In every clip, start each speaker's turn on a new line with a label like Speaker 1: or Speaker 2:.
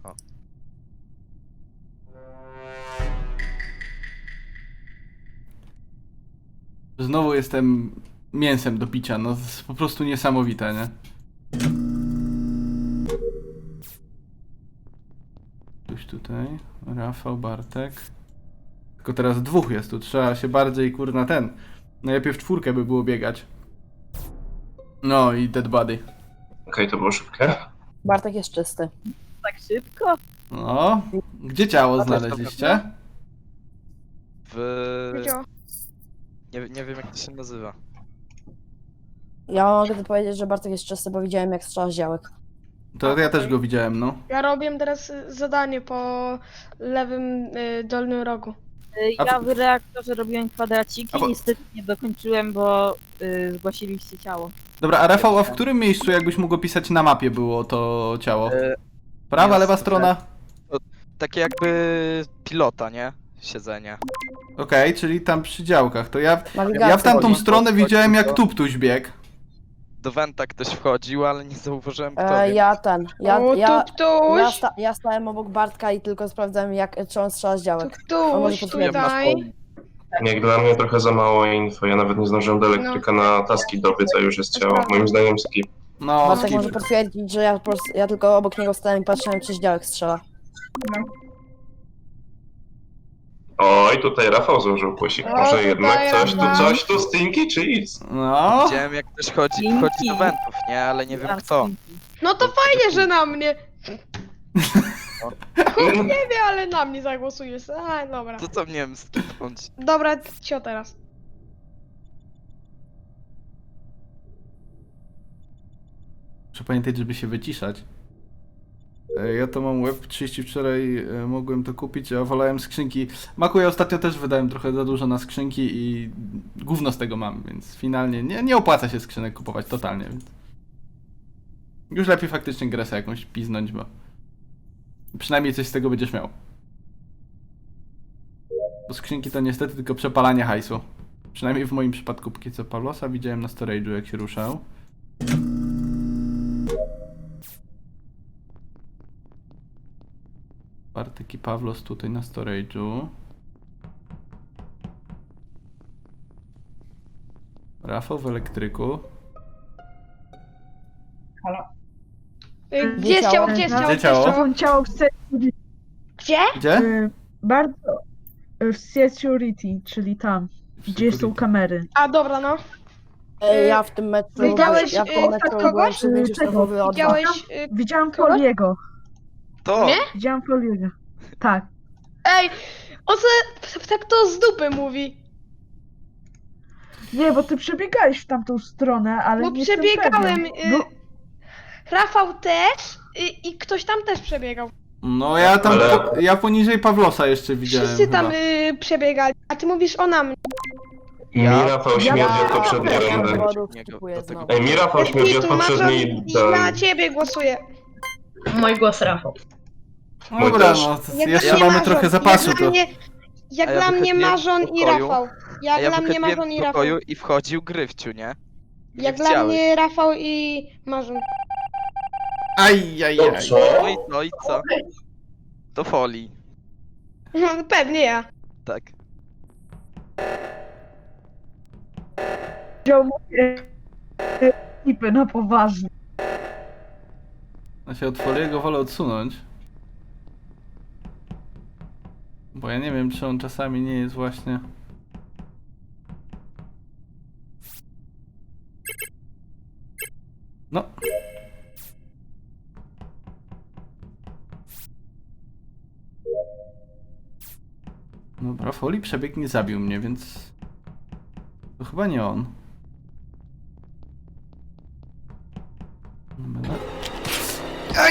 Speaker 1: O.
Speaker 2: Znowu jestem mięsem do picia, no to jest po prostu niesamowite, nie? Ktoś tutaj, Rafał, Bartek. Tylko teraz dwóch jest tu, trzeba się bardziej kurna ten. Najlepiej w czwórkę by było biegać. No i dead body.
Speaker 3: Okej, to było szybkie.
Speaker 4: Bartek jest czysty.
Speaker 5: Tak szybko?
Speaker 2: No, gdzie ciało
Speaker 4: A to jest
Speaker 2: znaleźliście?
Speaker 1: W... Nie wiem jak to się nazywa.
Speaker 4: Ja mogę powiedzieć, że Bartek jest czysty, bo widziałem jak strzela z działek.
Speaker 2: To ja też go widziałem, no.
Speaker 6: Ja robię teraz zadanie po lewym dolnym rogu.
Speaker 2: A
Speaker 5: Ja
Speaker 2: w-
Speaker 5: w reaktorze robiłem kwadraciki,
Speaker 2: A bo-
Speaker 5: niestety nie dokończyłem, bo zgłosiliście ciało.
Speaker 2: Dobra, a Rafał, a w którym miejscu, jakbyś mógł opisać na mapie, było to ciało? Prawa,
Speaker 1: jest
Speaker 2: lewa
Speaker 1: to
Speaker 2: strona?
Speaker 1: Takie jakby pilota, nie? Siedzenie.
Speaker 2: Okej, czyli tam przy działkach. To ja
Speaker 4: Nawigacja.
Speaker 2: w tamtą
Speaker 1: Wchodzi,
Speaker 2: stronę
Speaker 1: wchodzi,
Speaker 2: widziałem jak
Speaker 1: to-
Speaker 2: Tuptuś biegł.
Speaker 1: Do Wenta ktoś wchodził, ale nie zauważyłem kto. Więc...
Speaker 4: Ja stałem obok Bartka i tylko sprawdzałem czy on strzela z działek.
Speaker 6: Tuż
Speaker 4: potwierdzić.
Speaker 6: tutaj.
Speaker 3: Jak dla mnie trochę za mało info. Ja nawet nie zdążyłem do elektryka na taski dobiec, a już jest ciało. Moim zdaniem skip.
Speaker 2: No,
Speaker 4: Bartek
Speaker 2: skip.
Speaker 4: może potwierdzić, że ja tylko obok niego stałem i patrzyłem czy z działek strzela.
Speaker 3: Oj, tutaj Rafał złożył płysik.
Speaker 6: O,
Speaker 3: Może
Speaker 6: tutaj
Speaker 3: jednak
Speaker 6: Rafał.
Speaker 3: coś tu stinky cheese.
Speaker 2: No,
Speaker 1: Widziałem jak ktoś wchodzi do Wentów, nie? Ale nie wiem kto.
Speaker 6: No to fajnie, że na mnie. Nie wiem, ale na mnie zagłosujesz. A, dobra.
Speaker 1: To co miałem skipnąć?
Speaker 6: Dobra, cio teraz.
Speaker 2: muszę pamiętać, żeby się wyciszać. Ja to mam Web 30 wczoraj, mogłem to kupić, a wolałem skrzynki. Maku, ja ostatnio też wydałem trochę za dużo na skrzynki i gówno z tego mam, więc finalnie nie opłaca się skrzynek kupować totalnie, więc... Już lepiej faktycznie grę sobie jakąś piznąć, bo... Przynajmniej coś z tego będziesz miał. Bo skrzynki to niestety tylko przepalanie hajsu. Przynajmniej w moim przypadku, póki co Pawlosa widziałem na storage'u jak się ruszał. Bartek i Pawlos tutaj na storage'u. Rafał w elektryku.
Speaker 6: Gdzie jest ciało? Gdzie jest ciało?
Speaker 2: Gdzie ciało?
Speaker 7: To ciało w security.
Speaker 6: Gdzie?
Speaker 2: Gdzie?
Speaker 7: Bardzo w security, czyli tam, gdzie są kamery.
Speaker 6: A, dobra, no.
Speaker 4: Ja w tym meczu
Speaker 6: Widziałeś,
Speaker 4: ja w tym meczu
Speaker 6: kogoś?
Speaker 4: byłem przy wyjściu sztabowy od was.
Speaker 6: Widziałeś...
Speaker 7: Widziałam
Speaker 6: Kogo?
Speaker 7: Poliego.
Speaker 1: To!
Speaker 6: Nie?
Speaker 7: Widziałam Poliego. Tak.
Speaker 6: Ej, on se tak to z dupy mówi.
Speaker 7: Nie, bo ty przebiegałeś w tamtą stronę, ale
Speaker 6: Bo
Speaker 7: nie jestem
Speaker 6: przebiegałem.
Speaker 7: pewien. Bo
Speaker 6: Rafał też i ktoś tam też przebiegał.
Speaker 2: No ja tam,
Speaker 3: Ale-
Speaker 2: ja poniżej Pawlosa jeszcze widziałem
Speaker 6: Wszyscy tam
Speaker 2: chyba.
Speaker 6: przebiegali. A ty mówisz o nam.
Speaker 3: Mi Rafał śmierdzi od poprzedniej
Speaker 4: Ja
Speaker 3: rundy.
Speaker 4: dowodów
Speaker 1: Niego-
Speaker 4: skipuję
Speaker 1: do tego-
Speaker 4: znowu.
Speaker 3: Ej, mi Rafał śmierdzi od poprzedniej
Speaker 6: Na ciebie głosuję.
Speaker 8: Mój głos Rafał.
Speaker 2: Dobra,
Speaker 3: też.
Speaker 2: no to
Speaker 6: Jak
Speaker 2: jeszcze
Speaker 6: dla mnie
Speaker 2: mamy
Speaker 6: Marzon,
Speaker 2: trochę zapasu,
Speaker 6: Jak dla
Speaker 2: to...
Speaker 6: mnie, jak
Speaker 1: A ja
Speaker 6: dla mnie
Speaker 1: wychodziłem
Speaker 6: Marzon
Speaker 1: z
Speaker 6: i
Speaker 1: pokoju,
Speaker 6: Rafał.
Speaker 1: A
Speaker 6: Jak
Speaker 1: ja
Speaker 6: dla mnie
Speaker 1: wychodziłem
Speaker 6: Marzon i
Speaker 1: z
Speaker 6: Rafał.
Speaker 1: pokoju i wchodził Gryfciu, nie? Nie
Speaker 6: Jak dla
Speaker 1: chciałeś.
Speaker 6: mnie Rafał i Marzon.
Speaker 2: Ajajaj.
Speaker 1: No i co, i co? To folii.
Speaker 6: No, pewnie ja.
Speaker 1: Tak.
Speaker 7: wziął moje klipy na poważnie.
Speaker 2: Ja się od Foliego wolę odsunąć. Bo ja nie wiem, czy on czasami nie jest właśnie... No. Dobra, Foli przebieg nie zabił mnie, więc... To chyba nie on. Dobra. Aj!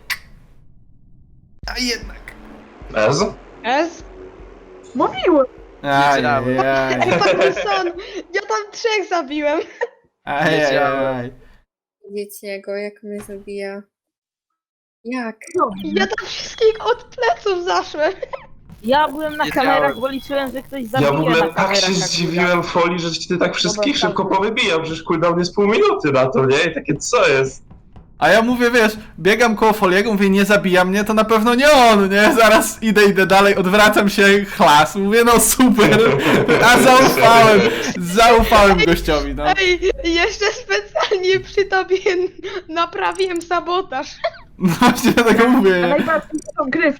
Speaker 2: A jednak!
Speaker 3: Ez?
Speaker 6: Ez?
Speaker 7: Mówiłem!
Speaker 2: Ajajaj!
Speaker 6: Ej, Parkinson! Ja tam 3 zabiłem.
Speaker 2: Ajajaj!
Speaker 8: Wiecie go, jak mnie zabija. Jak?
Speaker 6: Ja tam wszystkich od pleców zaszłem.
Speaker 5: Ja byłem na
Speaker 1: Wiedziałem.
Speaker 5: kamerach, bo liczyłem, że ktoś zabije
Speaker 3: Ja w ogóle
Speaker 5: na
Speaker 3: tak
Speaker 5: kamerach.
Speaker 3: się
Speaker 5: akurat.
Speaker 3: zdziwiłem Folii, że ty tak wszystkich
Speaker 4: Dobra,
Speaker 3: szybko powybijał, przecież cooldown jest pół minuty na to, nie? I takie co jest?
Speaker 2: A ja mówię, wiesz, biegam koło Foliego, mówię, nie zabija mnie, to na pewno nie on, nie? Zaraz idę dalej, odwracam się, chlas, mówię, no super, a zaufałem gościowi, no.
Speaker 6: Ej, jeszcze specjalnie przy tobie naprawiłem sabotaż.
Speaker 2: No właśnie dlatego
Speaker 7: A
Speaker 2: mówię.
Speaker 7: najbardziej są gry w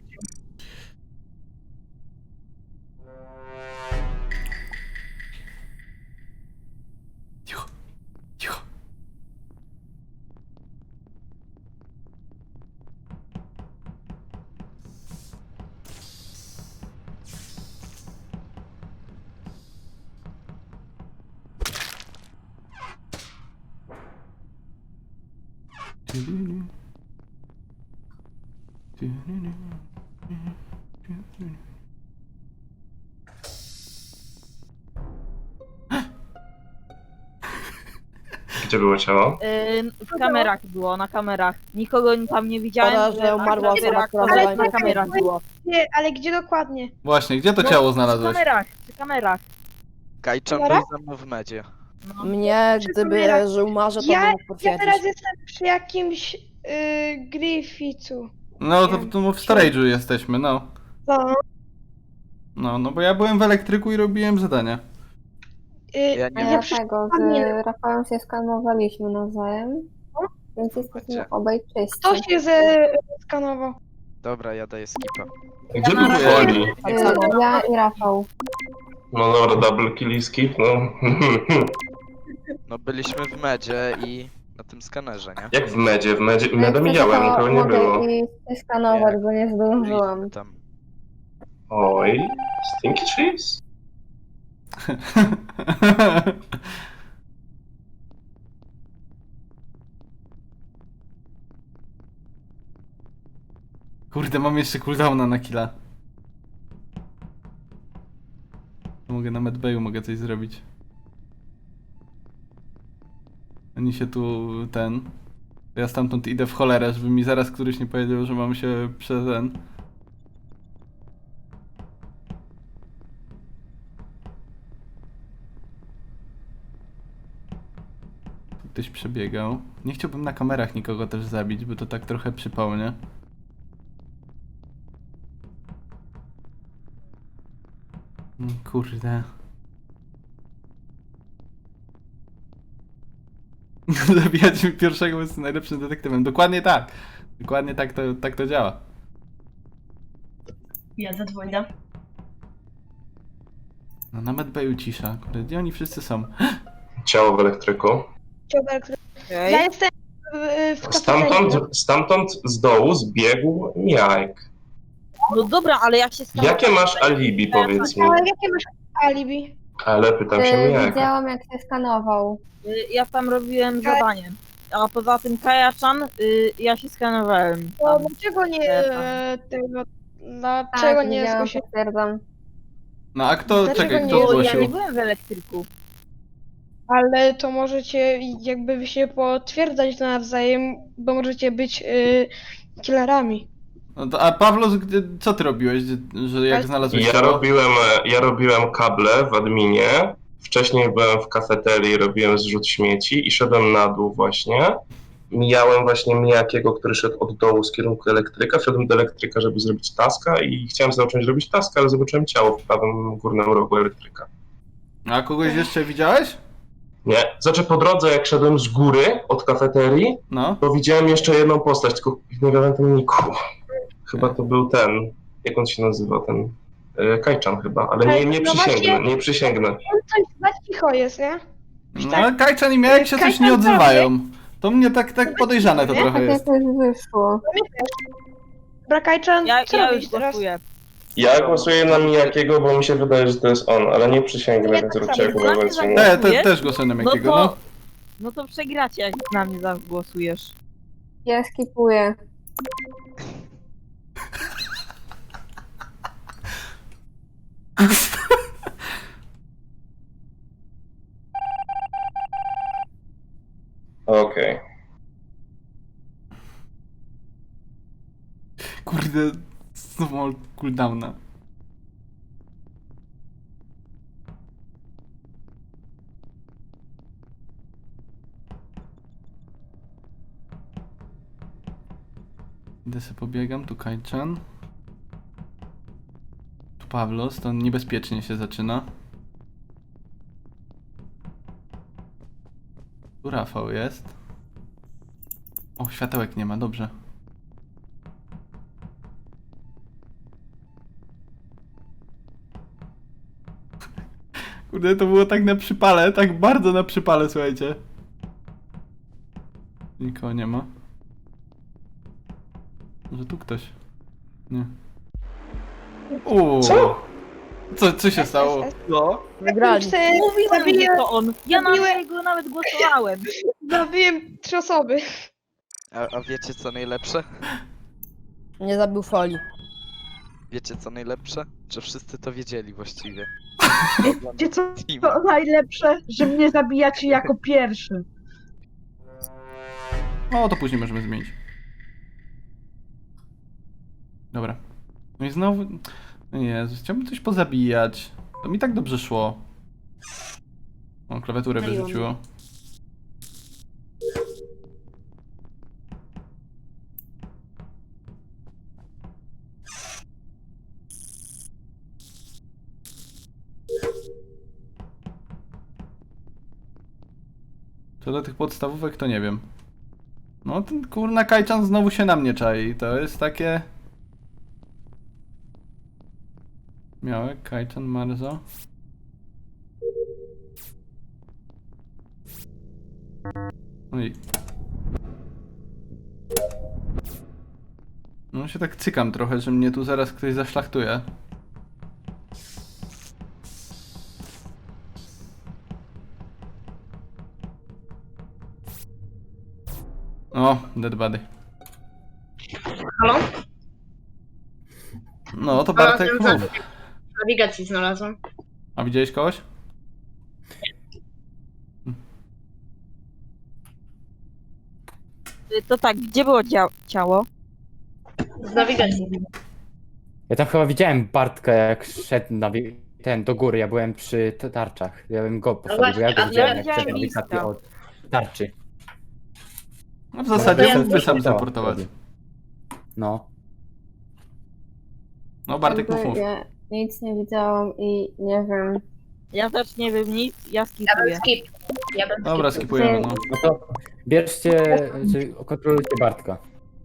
Speaker 2: Cicho, cicho.
Speaker 3: Gdzie było ciało?
Speaker 5: W kamerach było, na kamerach. Nikogo tam nie widziałem,
Speaker 4: Szkoda, że
Speaker 5: na
Speaker 4: umarła osoba,
Speaker 5: kamerach,
Speaker 4: która
Speaker 5: ale
Speaker 4: była
Speaker 5: na kamerach było.
Speaker 6: Nie, ale gdzie dokładnie?
Speaker 2: Właśnie, gdzie to
Speaker 5: No,
Speaker 2: ciało
Speaker 5: Przy
Speaker 2: znalazłeś?
Speaker 5: kamerach, przy kamerach.
Speaker 1: Kajczan był
Speaker 6: Dobra?
Speaker 1: ze mną w medzie.
Speaker 5: No.
Speaker 4: Mnie,
Speaker 6: Przy
Speaker 4: gdyby
Speaker 6: kamerach.
Speaker 4: żył Marze, to
Speaker 6: Ja-
Speaker 4: bym mógł
Speaker 6: Ja
Speaker 4: potwierdzić.
Speaker 6: teraz jestem przy jakimś Griffithu.
Speaker 2: No to w storage'u jesteśmy, no.
Speaker 6: Co?
Speaker 2: No bo ja byłem w elektryku i robiłem zadania.
Speaker 1: Ja
Speaker 8: A
Speaker 1: nie
Speaker 8: ja
Speaker 1: wiem.
Speaker 8: tego, z Rafałem się skanowaliśmy nawzajem. Więc jesteśmy
Speaker 1: Macie.
Speaker 8: obaj czyści.
Speaker 6: Kto się skanował?
Speaker 1: Dobra, ja daję skipa.
Speaker 3: Gdzie
Speaker 5: na
Speaker 3: był
Speaker 5: razie-
Speaker 3: Foli?
Speaker 8: Ja i Rafał.
Speaker 3: No dobra, double kill i skip, no.
Speaker 1: No byliśmy w medzie i na tym skanerze, nie?
Speaker 3: Jak w medzie? Meda
Speaker 8: Jak chcesz,
Speaker 3: mijałem,
Speaker 8: to
Speaker 3: nikogo nie
Speaker 8: mogę
Speaker 3: było.
Speaker 8: i skanować, bo nie zdążyłam.
Speaker 1: Byliśmy tam.
Speaker 3: Oj, stinky cheese?
Speaker 2: Kurde, mam jeszcze cooldowna na killa. Mogę na medbayu mogę coś zrobić. Oni się tu Ja stamtąd idę w cholerę, żeby mi zaraz któryś nie powiedział, że mam się przez ten. Tu ktoś przebiegał. Nie chciałbym na kamerach nikogo też zabić, bo to tak trochę przypał, nie? Kurde. Zabijać mi pierwszego jest najlepszym detektywem. Dokładnie tak. Dokładnie tak to działa.
Speaker 9: Ja zadzwonię.
Speaker 2: No na medbayu cisza. Kurde, gdzie oni wszyscy są?
Speaker 3: Ciało w elektryku.
Speaker 6: Ja
Speaker 5: Okej.
Speaker 6: jestem w kafeterii.
Speaker 3: Stamtąd z dołu zbiegł Miajek.
Speaker 5: No dobra, ale jak się skanowałem...
Speaker 3: Jakie masz alibi, powiedz mi?
Speaker 6: Ale jakie masz alibi?
Speaker 3: Ale pytam się Miajka.
Speaker 8: Widziałam, jak się skanował.
Speaker 5: Ja tam robiłem zadanie. A poza tym Kajaczan, ja się skanowałem.
Speaker 6: To
Speaker 5: Tam.
Speaker 6: dlaczego nie tego...
Speaker 8: Tak,
Speaker 6: Dlaczego nie
Speaker 8: widziałam,
Speaker 6: zgłosiłeś?
Speaker 8: potwierdzam.
Speaker 2: No a kto,
Speaker 6: Dlaczego
Speaker 2: czekaj,
Speaker 6: nie?
Speaker 2: kto
Speaker 5: Bo ja
Speaker 2: zgłosił?
Speaker 5: nie byłem w elektryku.
Speaker 6: Ale to możecie jakby wy się potwierdzać nawzajem, bo możecie być killerami.
Speaker 2: No to, a Pawlos, co ty robiłeś, że jak znalazłeś ciało?
Speaker 3: Ja robiłem kable w adminie. Wcześniej byłem w kafeterii, robiłem zrzut śmieci i szedłem na dół właśnie. Mijałem właśnie Mijakiego, który szedł od dołu z kierunku elektryka. Wszedłem do elektryka, żeby zrobić taska i chciałem zacząć robić taska, ale zobaczyłem ciało w prawym górnym rogu elektryka.
Speaker 2: A kogoś jeszcze widziałeś?
Speaker 3: Nie. Znaczy po drodze, jak szedłem z góry od kafeterii,
Speaker 2: No.
Speaker 3: to widziałem jeszcze jedną postać, tylko nie pamiętam niku. Chyba to był ten, jak on się nazywa, ten Kajczan chyba, ale nie
Speaker 6: No
Speaker 3: przysięgnę,
Speaker 6: właśnie-
Speaker 3: nie przysięgnę.
Speaker 6: On coś za cicho jest, nie?
Speaker 2: No ale Kajczan i Miałek się coś
Speaker 6: Kajczan
Speaker 2: nie odzywają. To mnie tak podejrzane to
Speaker 6: Nie?
Speaker 2: trochę
Speaker 8: Tak
Speaker 2: jest.
Speaker 8: jakoś wyszło.
Speaker 6: Brakajczan, co
Speaker 5: Ja
Speaker 6: robisz
Speaker 5: już
Speaker 6: teraz?
Speaker 5: głosuję.
Speaker 3: Ja głosuję na Mijakiego, bo mi się wydaje, że to jest on, ale nie przysięgnę,
Speaker 6: Ja
Speaker 3: więc
Speaker 6: tak
Speaker 3: róbcie jak
Speaker 6: samo.
Speaker 3: uważacie.
Speaker 5: Nie,
Speaker 3: Nie.
Speaker 2: Te też głosuję na Miałkiego, no.
Speaker 5: No to przegracie, jak na mnie zagłosujesz.
Speaker 8: Ja skipuję.
Speaker 3: Okej.
Speaker 2: Kurde, znowu mam cooldowna. Idę sobie pobiegam, tu Kajczan. Tu Pawlos, to niebezpiecznie się zaczyna. Tu Rafał jest. O, światełek nie ma, dobrze. Kurde, to było tak na przypale, tak bardzo na przypale, słuchajcie. Nikogo nie ma. Może tu ktoś? Nie.
Speaker 3: Co?
Speaker 2: Co się stało?
Speaker 1: No.
Speaker 4: Wygrali.
Speaker 5: Mówiłem, że
Speaker 6: Zabiłem-
Speaker 5: to on. Ja na
Speaker 6: zabiłem-
Speaker 5: niego nawet głosowałem.
Speaker 6: Zabiłem 3 osoby.
Speaker 1: A wiecie co najlepsze?
Speaker 4: Nie zabił folii.
Speaker 1: Wiecie co najlepsze? Że wszyscy to wiedzieli właściwie.
Speaker 7: Wiecie co
Speaker 1: Team.
Speaker 7: to najlepsze? Że mnie zabijacie jako pierwszy.
Speaker 2: O, to później możemy zmienić. Dobra. No i znowu... No Jezus, chciałbym coś pozabijać. To mi tak dobrze szło. O, klawiaturę
Speaker 8: Myliło
Speaker 2: wyrzuciło. Co do tych podstawówek, to nie wiem. No ten kurna Kajczan znowu się na mnie czai. To jest takie... Miałek, Kajczan, Marzo. No i... No się tak cykam trochę, że mnie tu zaraz ktoś zaszlachtuje. O, dead body.
Speaker 9: Halo?
Speaker 2: No to Bartek
Speaker 9: Znalazłem
Speaker 2: mów.
Speaker 9: w nawigacji znalazłem.
Speaker 2: A widziałeś kogoś?
Speaker 5: To tak, gdzie było ciało?
Speaker 9: Z nawigacji.
Speaker 10: Ja tam chyba widziałem Bartka, jak szedł ten do góry. Ja byłem przy tarczach. Ja bym go postawił, bo ja go
Speaker 9: właśnie, a
Speaker 10: widziałem,
Speaker 5: ja
Speaker 10: jak
Speaker 5: widziałem
Speaker 10: szedł
Speaker 5: Lista.
Speaker 10: nawigacji od tarczy.
Speaker 2: No w zasadzie
Speaker 9: ja
Speaker 2: mógłby sam
Speaker 10: widziałem.
Speaker 2: zaportować.
Speaker 10: No.
Speaker 2: No Bartek mów, mów.
Speaker 8: Ja nic nie widziałam i nie wiem.
Speaker 5: Ja też nie wiem nic, ja
Speaker 9: Ja bym
Speaker 5: skipuję.
Speaker 9: skip. Ja bym
Speaker 2: Dobra,
Speaker 9: skip.
Speaker 2: skipujemy, no.
Speaker 10: No to bierzcie, czy kontrolujcie Bartka.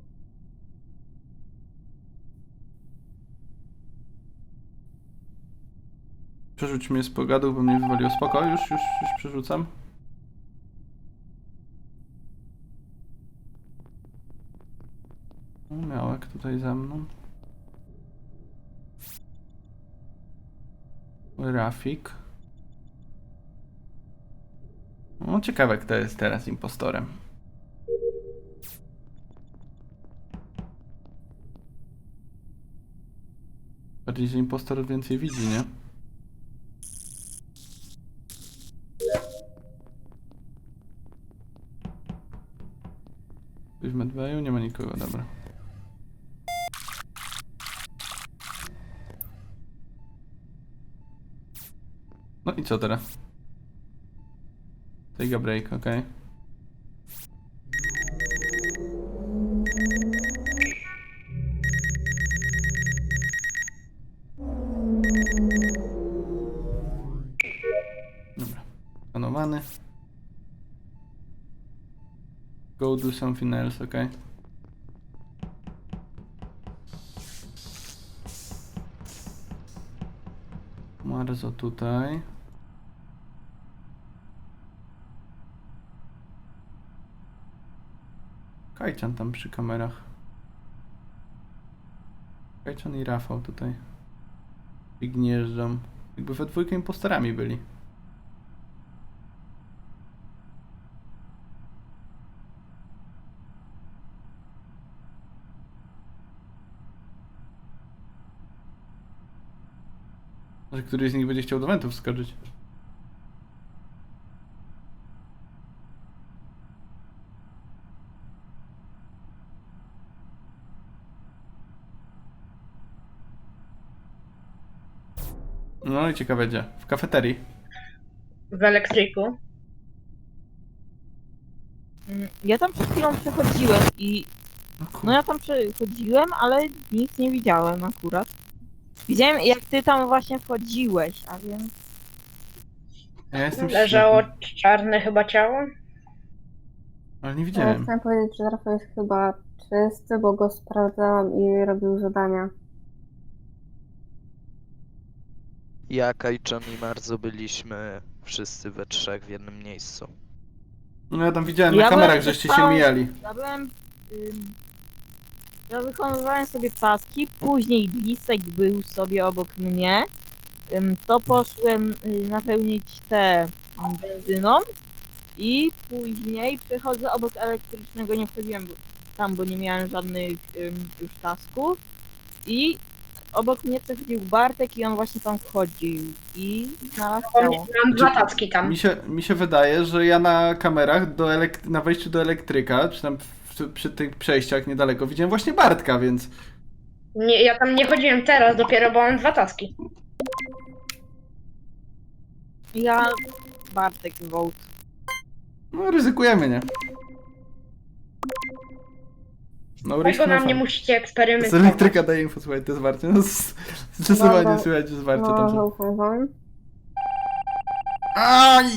Speaker 2: Przerzuć mnie z pogadu, bo mnie wywaliło. Spoko, już przerzucam. No, Miałek tutaj za mną. Rafik. No ciekawe, kto jest teraz impostorem. Bardziej, że impostor więcej widzi, nie? Ktoś w medbayu? Nie ma nikogo, dobra. No i co teraz? Take a break, okej. Dobra, skanowany. Go do something else, okej. Marzo tutaj. Kajczan tam przy kamerach. Kajczan i Rafał tutaj. I gnieżdżą. Jakby we dwójkę impostorami byli. Może któryś z nich będzie chciał do wentów wskoczyć. No i ciekawe gdzie. W kafeterii.
Speaker 9: W elektryku.
Speaker 5: Ja tam przed chwilą przechodziłem i No ja tam przechodziłem, ale nic nie widziałem akurat. Widziałem jak ty tam właśnie wchodziłeś, a więc...
Speaker 2: Ja jestem
Speaker 9: Leżało
Speaker 2: ślepy,
Speaker 9: czarne chyba ciało.
Speaker 2: ale nie
Speaker 8: Ja
Speaker 2: widziałem.
Speaker 8: chciałam powiedzieć, że Rafał jest chyba czysty, bo go sprawdzałam i robił zadania.
Speaker 1: Ja, Kajczan i Marzo byliśmy wszyscy we trzech w jednym miejscu.
Speaker 2: No ja tam widziałem na
Speaker 5: Ja
Speaker 2: kamerach,
Speaker 5: byłem
Speaker 2: żeście się
Speaker 5: stałem-
Speaker 2: mijali.
Speaker 5: Ja byłem... Ja wykonywałem sobie taski, później Lisek był sobie obok mnie. To poszłem napełnić te benzyną i później przechodzę obok elektrycznego, nie wchodziłem tam, bo nie miałem żadnych już tasków. I obok mnie przechodził Bartek i on właśnie tam wchodził i znalazł ciało.
Speaker 9: Mam dwa tacki tam.
Speaker 2: Mi się wydaje, że ja na kamerach na wejściu do elektryka, czy tam przy tych przejściach niedaleko, widziałem właśnie Bartka, więc...
Speaker 9: Nie, ja tam nie chodziłem teraz dopiero, bo mam dwa taski.
Speaker 5: Ja... Bartek wołt.
Speaker 2: No ryzykujemy, nie? No risk,
Speaker 9: Tego
Speaker 2: no
Speaker 9: na mnie
Speaker 2: fun.
Speaker 9: musicie
Speaker 2: Z
Speaker 9: eksperymentować.
Speaker 2: elektryka daje info, słuchaj, to jest Warcie. No, zdecydowanie
Speaker 8: Dobra.
Speaker 2: słychać, że jest Warcie
Speaker 8: No,
Speaker 2: tam.
Speaker 8: zaufam wam.
Speaker 2: Aj!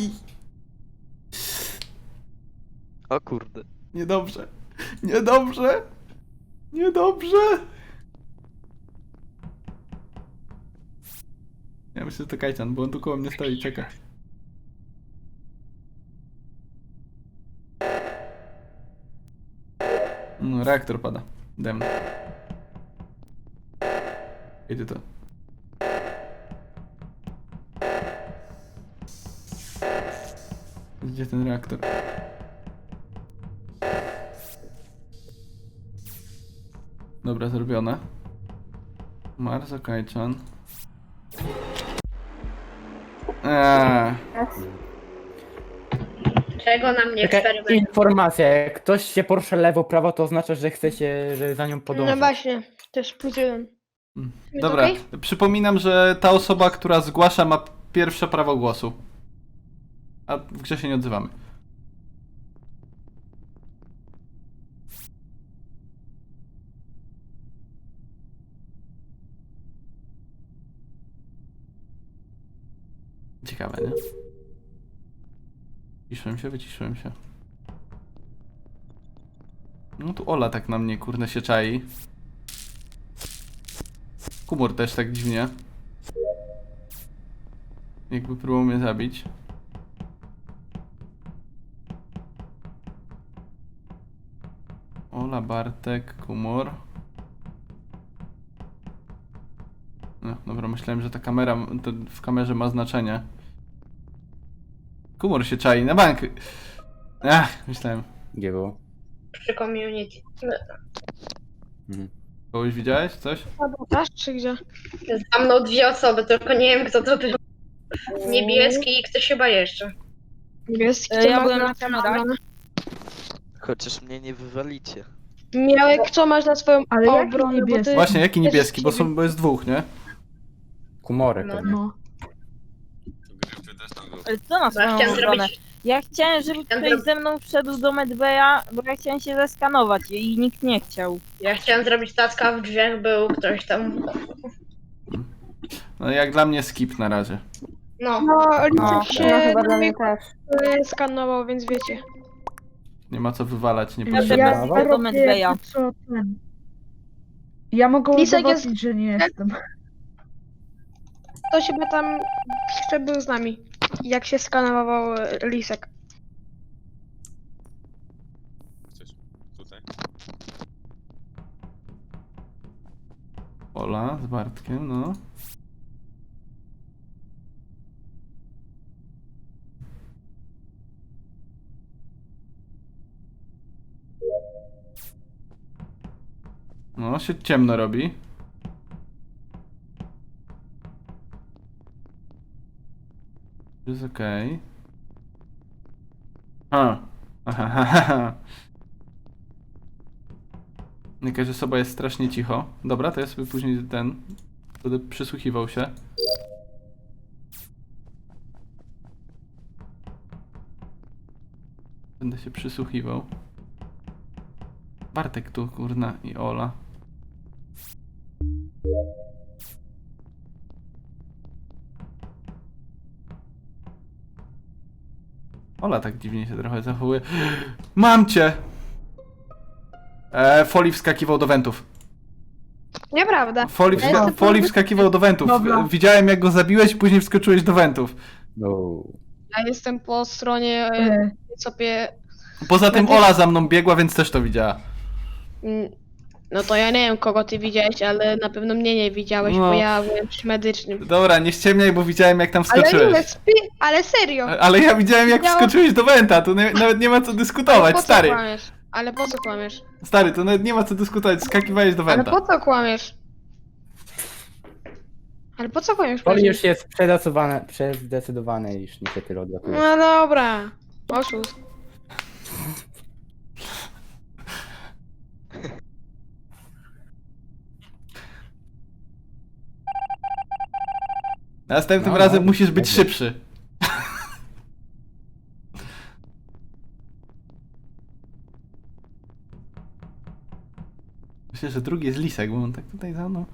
Speaker 1: O kurde.
Speaker 2: Niedobrze. Niedobrze. Niedobrze. Ja myślę, że to Kajcan, bo on tu koło mnie stoi i czeka. No, reaktor pada. Dem. Idzie to. Gdzie ten reaktor? Dobra, zrobione. Marzo Kajczan.
Speaker 9: Czego na mnie
Speaker 10: Taka
Speaker 9: eksperymentować?
Speaker 10: informacja, jak ktoś się porusza lewo, prawo, to oznacza, że chcecie, że za nią podążać.
Speaker 6: No właśnie, też pójdziemy.
Speaker 2: Dobra,
Speaker 6: okej?
Speaker 2: przypominam, że ta osoba, która zgłasza, ma pierwsze prawo głosu. A w grze się nie odzywamy. Ciekawe, nie? Wyciszyłem się. No tu Ola tak na mnie, kurde, się czai. Kumor też tak dziwnie. Jakby próbował mnie zabić. Ola, Bartek, Kumor. No, dobra, myślałem, że ta kamera, to w kamerze ma znaczenie. Kumor się czai na bank. Ach, myślałem.
Speaker 10: Gdzie było?
Speaker 9: Przy community.
Speaker 2: Kogoś widziałeś? Coś?
Speaker 6: Sabotaż czy gdzie?
Speaker 9: Za mną dwie osoby, tylko nie wiem kto to był. Niebieski i ktoś chyba jeszcze.
Speaker 6: Niebieski,
Speaker 5: Ja
Speaker 6: co
Speaker 5: byłem
Speaker 6: masz
Speaker 5: na kamerach.
Speaker 1: Chociaż mnie nie wywalicie.
Speaker 6: Miałek, co masz na swoją
Speaker 7: Ale jaki
Speaker 6: obronę, bo
Speaker 7: niebieski?
Speaker 6: ty...
Speaker 2: Właśnie, jaki
Speaker 6: też
Speaker 2: niebieski? Bo,
Speaker 6: ciebie-
Speaker 2: bo jest dwóch, nie?
Speaker 10: Kumory
Speaker 9: No.
Speaker 10: pewnie.
Speaker 7: No.
Speaker 5: Ale co na
Speaker 9: Ja
Speaker 5: swoją
Speaker 9: chciałem
Speaker 5: obronę?
Speaker 9: zrobić...
Speaker 5: Ja chciałem, żeby ktoś ze mną wszedł do Medbeja, bo ja chciałem się zeskanować i nikt nie chciał.
Speaker 9: Ja chciałem zrobić taska, w drzwiach był ktoś tam.
Speaker 2: No jak dla mnie skip na razie.
Speaker 9: No.
Speaker 6: No, Lisek
Speaker 5: No,
Speaker 6: się
Speaker 8: No chyba dla mnie też.
Speaker 6: skanował, więc wiecie.
Speaker 2: Nie ma co wywalać, nie
Speaker 5: Ja
Speaker 2: potrzeba.
Speaker 5: też
Speaker 7: Ja
Speaker 5: do
Speaker 7: robię
Speaker 5: Medbeja.
Speaker 7: jakby co ten. Ja mogę
Speaker 6: Lisek
Speaker 7: udowodnić, że nie jestem.
Speaker 6: Ktoś chyba tam jeszcze był z nami, jak się skanował Lisek.
Speaker 2: Ola z Bartkiem, no. No, się ciemno robi. Jest okej. A. Aha. Jakaś osoba jest strasznie cicho. Dobra, to ja sobie później będę przysłuchiwał się. Będę się przysłuchiwał. Bartek tu, kurna, i Ola. Ola tak dziwnie się trochę zachowuje. Mam cię! Foli wskakiwał do wentów.
Speaker 6: Nieprawda.
Speaker 2: Foli wskakiwał do wentów.
Speaker 7: Dobra.
Speaker 2: Widziałem jak go zabiłeś, później wskoczyłeś do wentów.
Speaker 10: No.
Speaker 6: Ja jestem po stronie sobie.
Speaker 2: Poza tym Ola za mną biegła, więc też to widziała.
Speaker 6: No to ja nie wiem kogo ty widziałeś, ale na pewno mnie nie widziałeś,
Speaker 2: No.
Speaker 6: bo ja byłem przy medycznym.
Speaker 2: Dobra, nie ściemniaj, bo widziałem jak tam
Speaker 6: Ale
Speaker 2: wskoczyłeś.
Speaker 6: nie, ale serio.
Speaker 2: Ale ja widziałem jak
Speaker 6: Ja-
Speaker 2: wskoczyłeś do wenta, tu nawet nie ma co dyskutować,
Speaker 6: po co
Speaker 2: stary.
Speaker 6: kłamiesz? Ale po co kłamiesz?
Speaker 2: Stary, to nawet nie ma co dyskutować, skakiwałeś do
Speaker 6: Ale
Speaker 2: wenta.
Speaker 6: po co kłamiesz? Ale po co kłamiesz?
Speaker 10: Oli
Speaker 6: powiedz mi?
Speaker 10: już jest przezdecydowane, iż niestety odlatuje.
Speaker 6: No dobra. Oszust.
Speaker 2: Następnym
Speaker 10: No,
Speaker 2: razem
Speaker 10: no,
Speaker 2: musisz być
Speaker 10: dobra.
Speaker 2: szybszy. Myślę, że drugi jest Lisek, bo on tak tutaj za mną.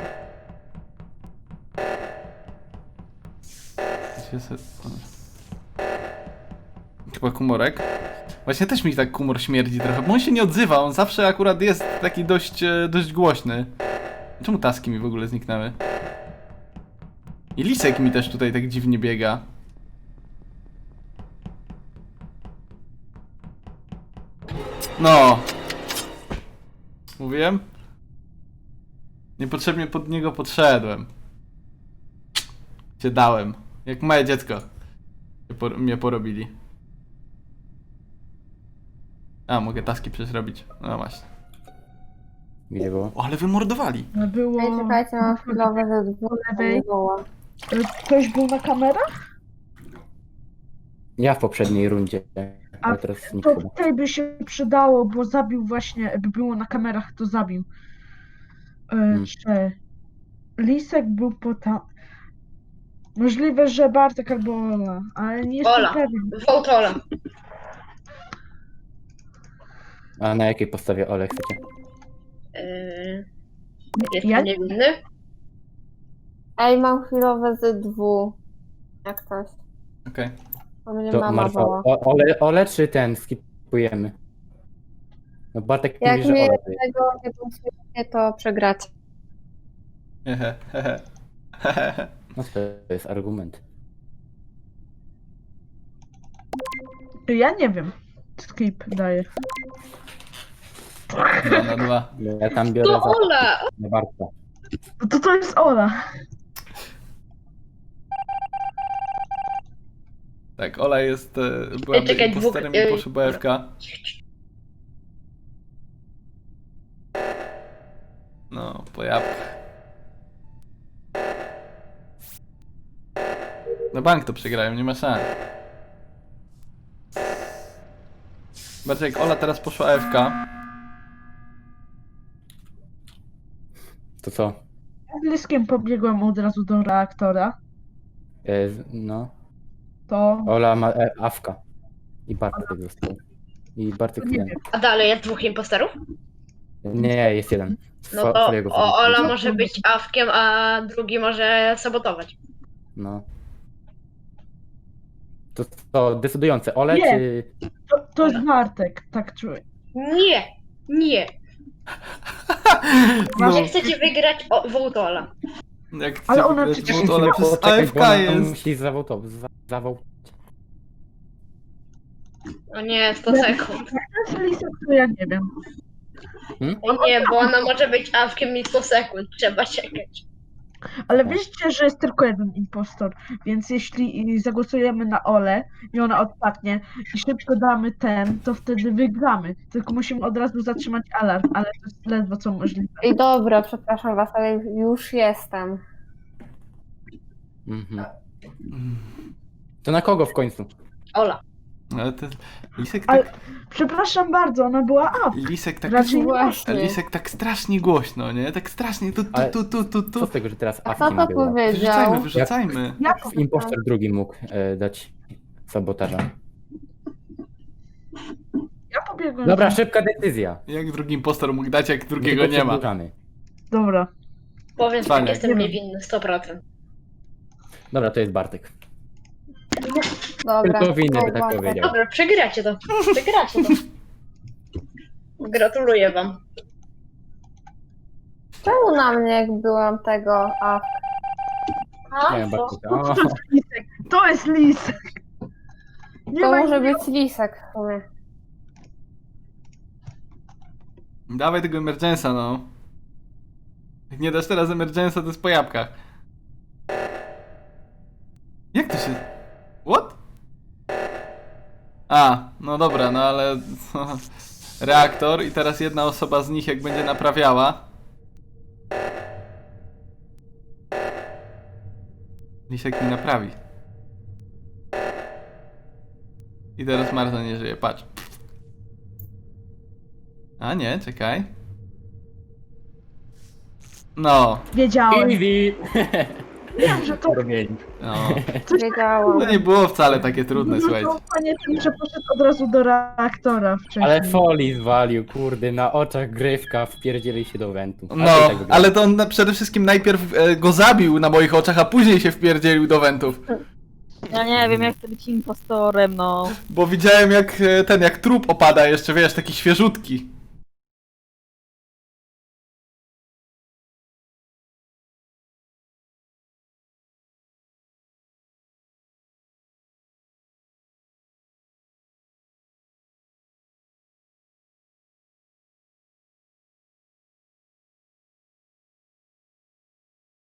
Speaker 2: Chyba kumorek. Właśnie też mi tak kumor śmierdzi trochę, bo on się nie odzywa, on zawsze akurat jest taki dość głośny. Czemu taski mi w ogóle zniknęły? I Lisek mi też tutaj tak dziwnie biega. No. Mówiłem? Niepotrzebnie pod niego podszedłem. Cię dałem. Jak małe dziecko. Mnie porobili. A, mogę taski przecież robić. No właśnie.
Speaker 10: Gdzie było?
Speaker 2: O, ale wymordowali.
Speaker 7: Było...
Speaker 4: Ej, czekajcie, mam chwilowe ze dwóch.
Speaker 7: lewej. Ktoś był na kamerach?
Speaker 10: Ja w poprzedniej rundzie.
Speaker 7: A
Speaker 10: Ale teraz nikt
Speaker 7: To
Speaker 10: chyba.
Speaker 7: tutaj by się przydało, bo zabił właśnie, jakby było na kamerach, to zabił. Czy Lisek był po tam... Możliwe, że Bartek albo Ola, ale nie jestem
Speaker 9: Ola.
Speaker 7: pewien.
Speaker 9: Wołtola.
Speaker 10: A na jakiej podstawie Ole chcecie?
Speaker 9: Jest
Speaker 7: Ja-
Speaker 9: to niewinny?
Speaker 4: Ej, mam chwilowe ze dwóch. Jak ktoś.
Speaker 2: Okej.
Speaker 4: To mnie
Speaker 10: To
Speaker 4: mama
Speaker 10: Marfa,
Speaker 4: woła.
Speaker 10: Ole czy ten skipujemy? No Bartek
Speaker 4: Jak
Speaker 10: mówi, że
Speaker 4: mnie
Speaker 10: Ole. to jest.
Speaker 4: tego nie posłuchacie, to przegracie.
Speaker 2: Hehe, hehe. Hehe.
Speaker 10: No to jest argument.
Speaker 7: Ja nie wiem. Skip daje.
Speaker 2: 2 na 2.
Speaker 10: Ja tam biorę
Speaker 9: To Ola!
Speaker 10: za Bartka.
Speaker 7: No to jest Ola.
Speaker 2: Tak, Ola jest... byłaby
Speaker 9: czekaj,
Speaker 2: imposterem
Speaker 9: dwóch-
Speaker 2: i poszła AFK. No, po jabłkach. Na bank to przegrają, nie ma szans. Bardziej jak Ola teraz poszła AFK.
Speaker 10: To co?
Speaker 7: Z Liskiem pobiegłem od razu do reaktora.
Speaker 10: No.
Speaker 7: To
Speaker 10: Ola ma awka. I Bartek został. I Bartek
Speaker 7: nie
Speaker 10: ten.
Speaker 7: wiem.
Speaker 9: A dalej jest dwóch imposterów?
Speaker 10: Nie, jest jeden.
Speaker 9: No to
Speaker 10: Twojego
Speaker 9: Ola
Speaker 10: wynika.
Speaker 9: może być awkiem, a drugi może sabotować.
Speaker 10: No. To decydujące. Ole
Speaker 7: Nie.
Speaker 10: czy...
Speaker 7: To jest Bartek, tak czuję.
Speaker 9: Nie! Nie!
Speaker 2: No,
Speaker 9: Nie chcecie wygrać Wołtola.
Speaker 2: jak
Speaker 7: Ale
Speaker 2: chcę
Speaker 7: ona
Speaker 2: wygrać,
Speaker 7: przecież
Speaker 2: bo Ola przez
Speaker 10: Poczekaj,
Speaker 2: AFK
Speaker 10: bo ona
Speaker 2: jest.
Speaker 10: musi zawołtować.
Speaker 9: O nie, 100 sekund.
Speaker 7: To jest Lisek, to ja nie wiem.
Speaker 9: O nie, bo ona może być awkiem i 100 sekund. Trzeba czekać.
Speaker 7: Ale wiecie, że jest tylko jeden impostor, więc jeśli zagłosujemy na Olę i ona odpadnie i szybko damy ten, to wtedy wygramy. Tylko musimy od razu zatrzymać alarm, ale to jest ledwo co możliwe.
Speaker 4: Ej, dobra, przepraszam was, ale już jestem.
Speaker 10: Mhm. To na kogo w końcu?
Speaker 9: Ola.
Speaker 2: Ale to... Lisek
Speaker 7: Ale-
Speaker 2: tak...
Speaker 7: Przepraszam bardzo, ona była up.
Speaker 2: Lisek tak...
Speaker 7: Raczej nie.
Speaker 4: Właśnie.
Speaker 2: Lisek tak strasznie głośno, nie? Tak strasznie
Speaker 10: Ale-
Speaker 2: tu.
Speaker 10: Co z tego, że teraz
Speaker 4: A
Speaker 10: awki
Speaker 4: kto to
Speaker 10: była?
Speaker 4: powiedział?
Speaker 2: Wyrzucajmy.
Speaker 7: Jak
Speaker 10: Impostor drugi mógł dać sabotaża.
Speaker 7: ja po biegłem.
Speaker 10: Dobra, szybka decyzja.
Speaker 2: Jak drugi impostor mógł dać, jak drugiego
Speaker 10: Tylko
Speaker 2: nie ma?
Speaker 10: przedłużamy.
Speaker 7: Dobra.
Speaker 9: Powiem, że
Speaker 2: Cwaniak.
Speaker 9: jestem niewinny, 100%.
Speaker 10: Dobra, to jest Bartek.
Speaker 4: Dobra.
Speaker 10: Tylko winny by
Speaker 4: Dobra.
Speaker 10: tak powiedział.
Speaker 9: Dobra, przegracie to. Przegracie to. Gratuluję wam.
Speaker 4: Czemu na mnie, jak byłam tego, a
Speaker 10: Nie wiem,
Speaker 9: co?
Speaker 10: Bartek.
Speaker 7: To
Speaker 10: O,
Speaker 7: jest lisek. To jest lisek. Nie
Speaker 4: to
Speaker 7: ma
Speaker 4: może
Speaker 7: innego.
Speaker 4: być lisek w sumie.
Speaker 2: Dawaj tego emergensa, no. Jak nie dasz teraz emergensa, to jest po jabłkach. Jak to się... What? A, no dobra, no ale... Reaktor i teraz jedna osoba z nich jak będzie naprawiała. Lisek mi naprawi. I teraz Marta nie żyje, patrz. A nie, czekaj. No,
Speaker 7: Wiedziałem.
Speaker 10: easy!
Speaker 7: Wiem, że to...
Speaker 10: Robieni.
Speaker 2: no.
Speaker 4: Wiedziałam.
Speaker 2: To nie było wcale takie trudne,
Speaker 7: No
Speaker 2: słuchajcie.
Speaker 7: to panie tym, że poszedł od razu do reaktora wcześniej.
Speaker 10: Ale Foley zwalił, kurde, na oczach grywka, wpierdzieli się do wentu.
Speaker 2: No, ale to on przede wszystkim najpierw go zabił na moich oczach, a później się wpierdzielił do wentów.
Speaker 5: Ja nie wiem, jak chcę być impostorem, no.
Speaker 2: Bo widziałem jak jak trup opada jeszcze, wiesz, taki świeżutki.